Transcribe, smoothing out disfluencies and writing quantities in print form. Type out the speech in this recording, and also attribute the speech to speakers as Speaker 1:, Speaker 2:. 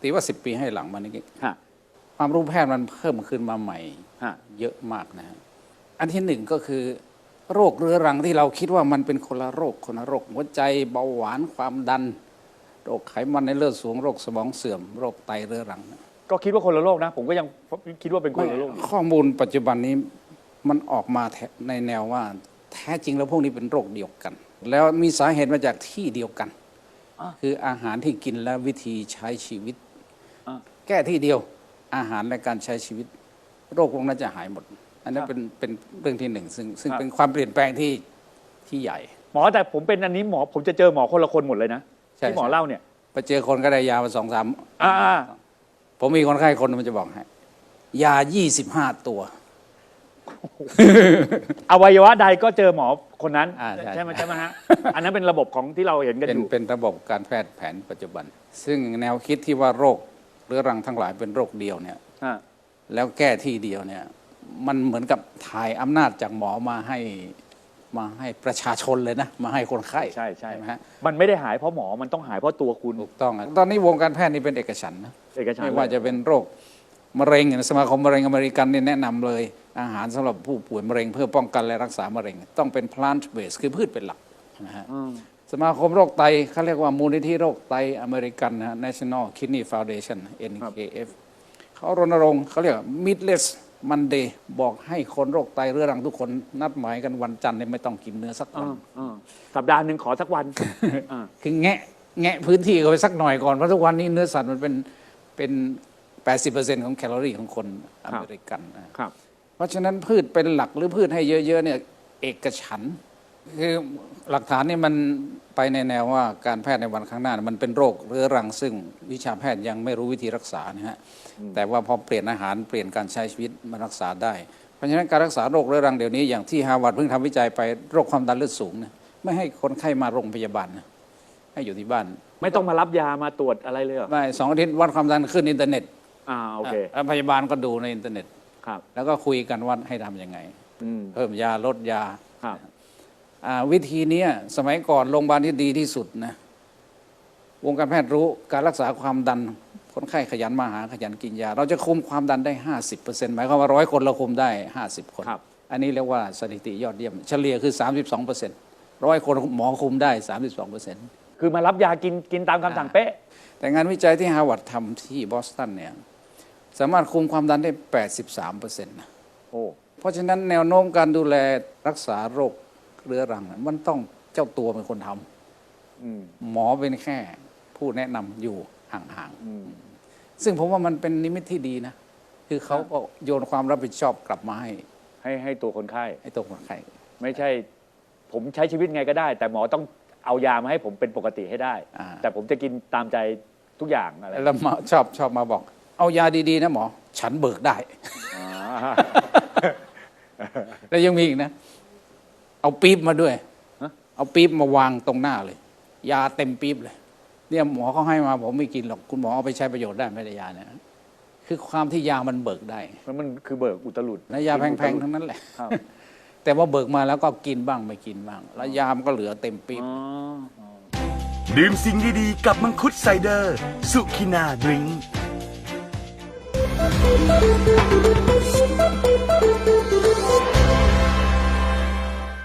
Speaker 1: ตีว่า10 ปีให้หลังมานี้ความรู้แพทย์มันเพิ่มขึ้นมาใหม่เยอะมากนะฮะอันที่หนึ่งก็คือโรคเรื้อรังที่เราคิดว่ามันเป็นคนละโรคหัวใจเบาหวานความดันโรคไขมันในเลือดสูงโรคสมองเสื่อมโรคไตเรื้อรัง
Speaker 2: ก็คิดว่าคนละโรคนะผมก็ยังคิดว่าเป็นคนละโรค
Speaker 1: ข้อมูลปัจจุบันนี้มันออกมาในแนวว่าแท้จริงแล้วพวกนี้เป็นโรคเดียวกันแล้วมีสาเหตุมาจากที่เดียวกันคืออาหารที่กินและวิธีใช้ชีวิตแก้ที่เดียวอาหารและการใช้ชีวิตโรคพวกนั้นจะหายหมดอันนั้นเป็นเรื่องที่หนึ่งซึ่งเป็นความเปลี่ยนแปลงที่ใหญ่
Speaker 2: หมอแต่ผมเป็นอันนี้หมอผมจะเจอหมอคนละคนหมดเลยนะที่หมอเล่าเนี่ย
Speaker 1: ไปเจอคนก็ได้ยามา2-3ผมมีคนไข้คนมันจะบอกให้ยา25 ตัว
Speaker 2: อวัยวะใดก็เจอหมอคนนั้นใช่ไหมฮะอันนั้นเป็นระบบของที่เราเห็นกันอยู่
Speaker 1: เป็นระบบการแพทย์แผนปัจจุบันซึ่งแนวคิดที่ว่าโรคเรื้อรังทั้งหลายเป็นโรคเดียวเนี่ยแล้วแก้ที่เดียวเนี่ยมันเหมือนกับถ่ายอำนาจจากหมอมาให้ประชาชนเลยนะมาให้คนไข้
Speaker 2: ใช่ไหมฮะมันไม่ได้หายเพราะหมอมันต้องหายเพราะตัวคุณ
Speaker 1: ถูกต้องตอนนี้วงการแพทย์นี่เป็นเอกฉันท์นะไม่ว่าจะเป็นโรคมะเร็งสมาคมมะเร็งอเมริกันเนี่ยแนะนำเลยอาหารสำหรับผู้ป่วยมะเร็งเพื่อป้องกันและรักษามะเร็งต้องเป็น plant based คือพืชเป็นหลักนะฮะสมาคมโรคไตเขาเรียกว่ามูลนิธิโรคไตอเมริกันนะ National Kidney Foundation NKF เขารณรงค์เขาเรียก meatless Monday บอกให้คนโรคไตเรื้อรังทุกคนนัดหมายกันวันจันทร์ไม่ต้องกินเนื้อสักวัน
Speaker 2: สัปดาห์หนึ่งขอสักวัน
Speaker 1: คือแงะพื้นที่เขาไปสักหน่อยก่อนเพราะทุกวันนี้เนื้อสัตว์มันเป็น 80% ของแคลอรี่ของคนอเมริกันนะครับเพราะฉะนั้นพืชเป็นหลักหรือพืชให้เยอะๆเนี่ยเอกฉันท์คือหลักฐานนี่มันไปในแนวว่าการแพทย์ในวันข้างหน้ามันเป็นโรคเรื้อรังซึ่งวิชาแพทย์ยังไม่รู้วิธีรักษานะฮะแต่ว่าพอเปลี่ยนอาหารเปลี่ยนการใช้ชีวิตมารักษาได้เพราะฉะนั้นการรักษาโรคเรื้อรังเดี๋ยวนี้อย่างที่ฮาร์วาร์ดเพิ่งทำวิจัยไปโรคความดันเลือดสูงนะไม่ให้คนไข้มาโรงพยาบาลนะให้อยู่ที่บ้าน
Speaker 2: ไม่ต้องมารับยามาตรวจอะไรเลย
Speaker 1: ไม่2 อาทิตย์วัดความดันขึ้นอินเทอร์เน็ต
Speaker 2: โอเค
Speaker 1: แล้วพยาบาลก็ดูในอินเทอร์เน็ตแล้วก็คุยกันว่าให้ทำยังไงเพิ่มยาลดยาวิธีนี้สมัยก่อนโรงพยาบาลที่ดีที่สุดนะวงการแพทย์รู้การรักษาความดันคนไข้ขยันมาหาขยันกินยาเราจะคุมความดันได้ 50% หมายความว่า100 คนเราคุมได้50 คนอันนี้เรียกว่าสถิติยอดเยี่ยมเฉลี่ยคือ 32% 100 คนหมอคุมได้ 32%
Speaker 2: คือมารับยากินตามคำสั่งเป๊ะ
Speaker 1: แต่งานวิจัยที่ฮาร์วาร์ดทำที่บอสตันเนี่ยสามารถคุมความดันได้ 83% นะเพราะฉะนั้นแนวโน้มการดูแลรักษาโรคเรื้อรังมันต้องเจ้าตัวเป็นคนทำหมอเป็นแค่ผู้แนะนำอยู่ห่างๆซึ่งผมว่ามันเป็นนิมิตที่ดีนะคือเขาก็โยนความรับผิดชอบกลับมา
Speaker 2: ให้ตัวคนไข้
Speaker 1: ให้ตัวคนไข้
Speaker 2: ไม่ใช่ผมใช้ชีวิตไงก็ได้แต่หมอต้องเอายามาให้ผมเป็นปกติให้ได้แต่ผมจะกินตามใจทุกอย่างอะไร
Speaker 1: แล้วชอบมาบอกเอายาดีๆนะหมอฉันเบิกได้แล้วยังมีอีกนะเอาปี๊บมาด้วยเอาปี๊บมาวางตรงหน้าเลยยาเต็มปี๊บเลยเนี่ยหมอเขาให้มาผมไม่กินหรอกคุณหมอเอาไปใช้ประโยชน์ได้ไม่ได้ยาเนี่ยคือความที่ยามันเบิกได้
Speaker 2: มันคือเบิกอุตลุด
Speaker 1: และยาแพงๆทั้งนั้นแหละแต่ว่าเบิกมาแล้วก็กินบ้างไม่กินบ้างแล้วยามก็เหลือเต็มปี๊บ
Speaker 3: ดื่มสิ่งดีๆกับมังคุดไซเดอร์สุขินาดริงก์